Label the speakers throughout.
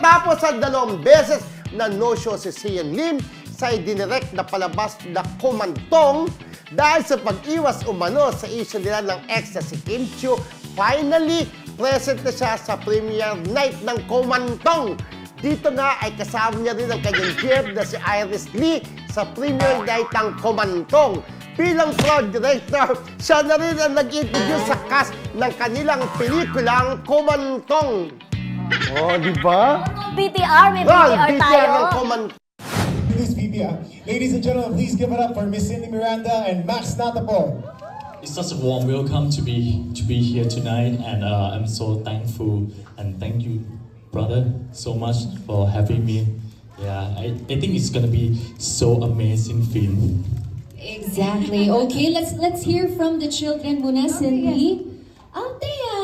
Speaker 1: Matapos ang 2 beses na no-show si Sian Lim sa idinirect na palabas na Kumantong dahil sa pag-iwas umano sa issue nila ng ex na si Kim Chiu, finally, present na siya sa premiere night ng Kumantong. Dito nga ay kasama niya rin ang kanyang jeep na si Iris Lee sa premiere night ng Kumantong. Bilang proud director, siya na rin ang nag-introduce sa cast ng kanilang pelikulang Kumantong. Oh, di ba?
Speaker 2: BTR, may BTR tayo.
Speaker 1: ng Kumantong.
Speaker 3: This BBR. Ladies and gentlemen, please give it up for Miss Cindy Miranda and Max Natapor.
Speaker 4: It's such a warm welcome to be here tonight, and I'm so thankful and thank you, brother, so much for having me. Yeah, I think it's gonna be so amazing film.
Speaker 5: Exactly. Okay, let's hear from the children muna, Cindy. Althea!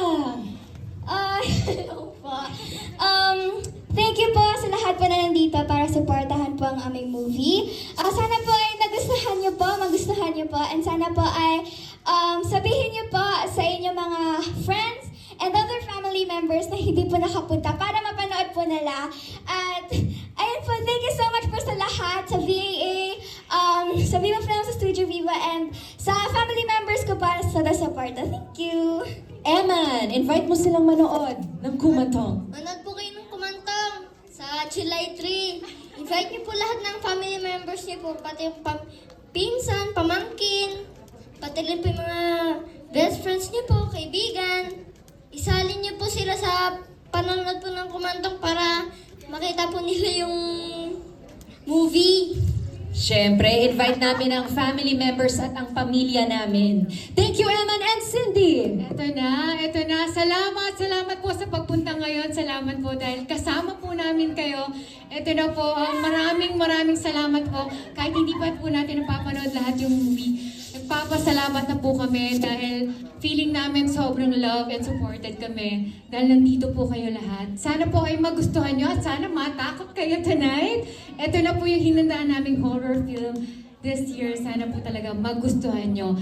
Speaker 6: Thank you po sa lahat po na nandito para supportahan po ang aming movie. Sana po ay nagustuhan niyo po, magustuhan niyo po, and sana po ay sabihin niyo po sa inyong mga friends and other family members na hindi po nakapunta para mapanood po nila. At ayun po, thank you so much po sa lahat, sa VAA, sa Viva Films, sa Studio Viva, and sa family members ko para sa support. Thank you!
Speaker 5: Eman, invite mo silang manood ng Kumantong.
Speaker 6: Manood po kayo ng Kumantong sa July 3. Invite niyo po lahat ng family members niyo po, pati yung pinsan, pamangkin, pati rin po yung mga best friends niyo po, kaibigan. Isalin niyo po sila sa panonood po ng Kumantong para makita po nila yung movie.
Speaker 5: Siyempre, invite namin ang family members at ang pamilya namin. Thank you, Eman and Cindy!
Speaker 7: Ito na. Salamat po sa pagpunta ngayon. Salamat po dahil kasama po namin kayo. Ito na po, maraming salamat po. Kahit hindi pa po natin napapanood lahat yung movie, nagpapasalamat na po kami dahil feeling namin sobrang love and supported kami dahil nandito po kayo lahat. Sana po ay magustuhan nyo at sana matakot kayo tonight. Ito na po yung hinandaan naming horror film this year. Sana po talaga magustuhan nyo.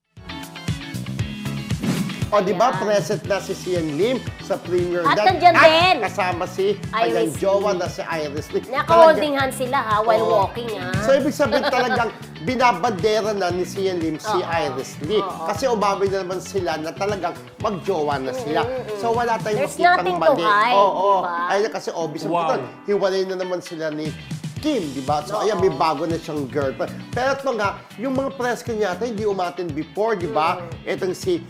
Speaker 1: O, di ba, present na si Sian Lim sa premiere
Speaker 2: At
Speaker 1: night.
Speaker 2: nandyan din.
Speaker 1: Kasama si kanyang
Speaker 2: Iris
Speaker 1: jowa
Speaker 2: Lee.
Speaker 1: na si Iris Lee.
Speaker 2: Naka-holding hands sila ha, while
Speaker 1: Oo.
Speaker 2: walking ha.
Speaker 1: So, ibig sabihin talagang binabandera na ni Sian Lim si Iris Lee. Kasi umamin na naman sila na talagang magjowa na sila. So, wala tayong
Speaker 2: There's
Speaker 1: makitang
Speaker 2: nothing to
Speaker 1: mali.
Speaker 2: hide,
Speaker 1: Oo.
Speaker 2: diba?
Speaker 1: Ayun na kasi obvious. Wow. Hiwalay na naman sila ni Kim, di ba? So, ayan, may bago na siyang girlfriend. Pero ito nga, yung mga press kanya yata, hindi umatin before, di ba? Itong si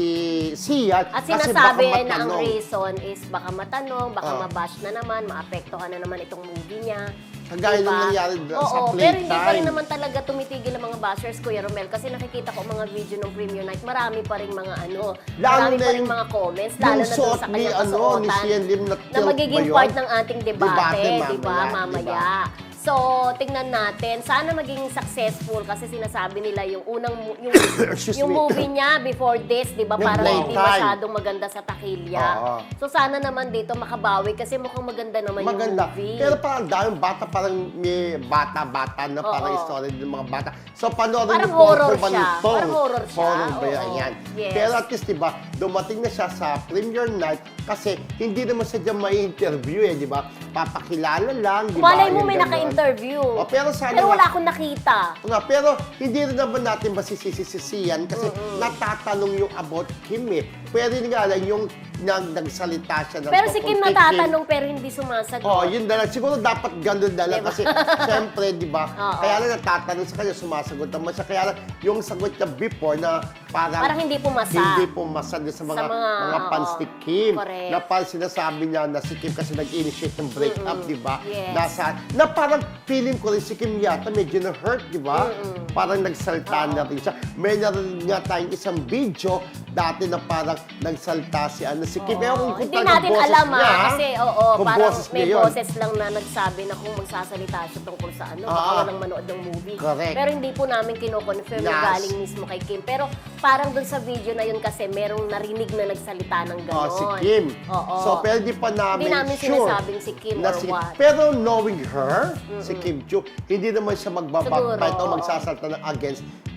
Speaker 1: Sian.
Speaker 2: At
Speaker 1: kasi
Speaker 2: sinasabi
Speaker 1: baka
Speaker 2: na ang
Speaker 1: matanong.
Speaker 2: reason is baka matanong, baka mabash na naman, maapektuhan na naman itong movie niya.
Speaker 1: Kagaya nung nangyari sa
Speaker 2: Oo,
Speaker 1: Playtime.
Speaker 2: pero hindi pa rin naman talaga tumitigil ang mga bashers, Kuya Romel. Kasi nakikita ko mga video ng premiere night, marami pa rin mga marami pa rin mga comments, lalo na doon sa kanyang kasuotan,
Speaker 1: ni Sian Lim
Speaker 2: na magiging part ng ating debate, di ba, mamaya. So, tingnan natin. Sana maging successful kasi sinasabi nila yung unang
Speaker 1: Excuse
Speaker 2: yung
Speaker 1: me.
Speaker 2: movie niya before this, 'di ba?
Speaker 1: Yung
Speaker 2: Parang hindi
Speaker 1: Playtime.
Speaker 2: masyadong maganda sa takilya.
Speaker 1: Oo.
Speaker 2: So sana naman dito makabawi kasi mukhang maganda naman
Speaker 1: Maganda.
Speaker 2: yung movie.
Speaker 1: Pero parang daming bata, parang may bata-bata na parang
Speaker 2: Oo.
Speaker 1: story ng mga bata. So, panoorin
Speaker 2: Parang
Speaker 1: niyo po ang
Speaker 2: horror siya.
Speaker 1: Kumantong.
Speaker 2: Parang horror siya.
Speaker 1: Horror ba yan?
Speaker 2: Oo.
Speaker 1: Yan.
Speaker 2: Yes.
Speaker 1: Pero at least, di ba, dumating na siya sa premiere night kasi hindi naman siya dyan may interview eh, di ba? Papakilala lang, di ba?
Speaker 2: Malay mo
Speaker 1: Yung
Speaker 2: may
Speaker 1: ganon.
Speaker 2: naka-interview.
Speaker 1: O, pero sana
Speaker 2: Pero
Speaker 1: nga-
Speaker 2: wala akong nakita.
Speaker 1: Nga, pero hindi rin naman natin masisisisiyan kasi natatanong yung about Kim eh. Pwede nga lang yung nagsalita siya ng
Speaker 2: Pero si Kim
Speaker 1: tungkol kay
Speaker 2: natatanong pero hindi sumasagot.
Speaker 1: Oh, yun na lang. Siguro dapat ganun na lang kasi syempre, di ba?
Speaker 2: Oo.
Speaker 1: Kaya lang natatanong sa kanya, sumasagot naman siya. Kaya lang yung sagot niya before na
Speaker 2: Parang hindi pumasa.
Speaker 1: Hindi pumasa din sa mga, fans ni Kim.
Speaker 2: correct.
Speaker 1: Na parang sinasabi niya na si Kim kasi nag-initiate ng breakup, di ba?
Speaker 2: Yes.
Speaker 1: Na parang feeling ko rin si Kim yata medyo na-hurt, di ba? Parang nagsalta na rin siya. May narin nga tayong isang video dati na parang nagsalta si Kim. Ewan ko
Speaker 2: Hindi
Speaker 1: talagang
Speaker 2: natin
Speaker 1: boses
Speaker 2: alam
Speaker 1: niya,
Speaker 2: kasi
Speaker 1: kung
Speaker 2: parang
Speaker 1: boses
Speaker 2: may
Speaker 1: niya yun.
Speaker 2: boses lang na nagsabi na kung magsasalita siya tungkol sa baka walang manood ng movie.
Speaker 1: Correct.
Speaker 2: Pero hindi po namin kino-confirm na galing mismo kay Kim. Pero parang dun sa video na yun kasi merong narinig na nagsalita ng gano'n.
Speaker 1: Si Kim.
Speaker 2: Oo.
Speaker 1: So, pero di pa namin
Speaker 2: Hindi namin
Speaker 1: sure
Speaker 2: sinasabing si Kim
Speaker 1: na
Speaker 2: or what.
Speaker 1: Pero knowing her, si Kim Chiu, hindi naman siya
Speaker 2: Siguro,
Speaker 1: magbabackbite o
Speaker 2: oo.
Speaker 1: magsasalta ng against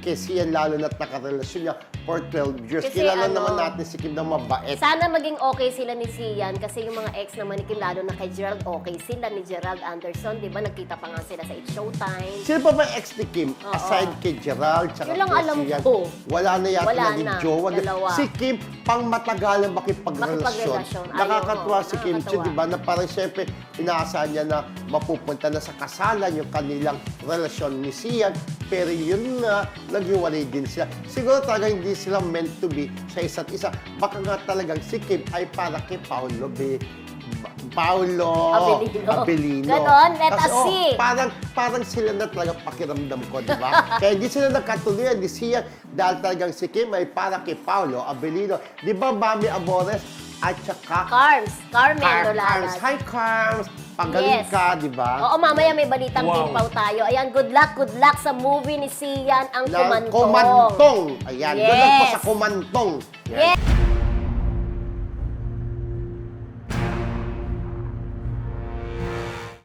Speaker 1: kay Sian, lalo na't nakarelasyon niya for 12 years.
Speaker 2: Kasi
Speaker 1: Kilala
Speaker 2: ano,
Speaker 1: naman natin si Kim na mabait.
Speaker 2: Sana maging okay sila ni Sian kasi yung mga ex naman ni Kim, lalo na kay Gerald, okay sila ni Gerald Anderson, di ba? Nagkita pa nga sila sa It's Showtime.
Speaker 1: Sino pa ba yung ex ni Kim?
Speaker 2: Oo.
Speaker 1: Aside kay Gerald, tsaka
Speaker 2: Yun lang
Speaker 1: kay
Speaker 2: alam
Speaker 1: Sian.
Speaker 2: ko.
Speaker 1: Wala na yata
Speaker 2: Wala
Speaker 1: naging
Speaker 2: na,
Speaker 1: jowa.
Speaker 2: dalawa.
Speaker 1: Si Kim, pang matagalang makipagrelasyon.
Speaker 2: Makipagrelasyon. Ayaw
Speaker 1: Nakakatuwa
Speaker 2: ko,
Speaker 1: si Kim Chiu,
Speaker 2: nakakatuwa.
Speaker 1: di ba? Na parang syempre, inaasahan niya na mapupunta na sa kasalan yung kanilang relasyon ni Sian. Pero yun nga, naghiwalay din sila. Siguro talaga hindi sila meant to be sa isa't isa. Baka nga talagang si Kim ay para kay Paolo Abelino.
Speaker 2: Ganon, let us
Speaker 1: Kasi,
Speaker 2: see.
Speaker 1: parang sila na talaga pakiramdam ko, di ba? Kaya hindi sila nagkatuloyan ni Sian dahil talagang si Kim ay para kay Paolo Abelino. Di ba, Mami Amores at saka
Speaker 2: Carmen
Speaker 1: Carms.
Speaker 2: Doladas.
Speaker 1: Hi, Carms! Pagaling ka, di ba?
Speaker 2: Oo, mamaya may balitang timpaw tayo. Ayan, good luck sa movie ni Sian, ang
Speaker 1: Ng
Speaker 2: Kumantong.
Speaker 1: Kumantong. Ayan,
Speaker 2: Yes.
Speaker 1: good luck po sa Kumantong. Yan.
Speaker 2: Yes.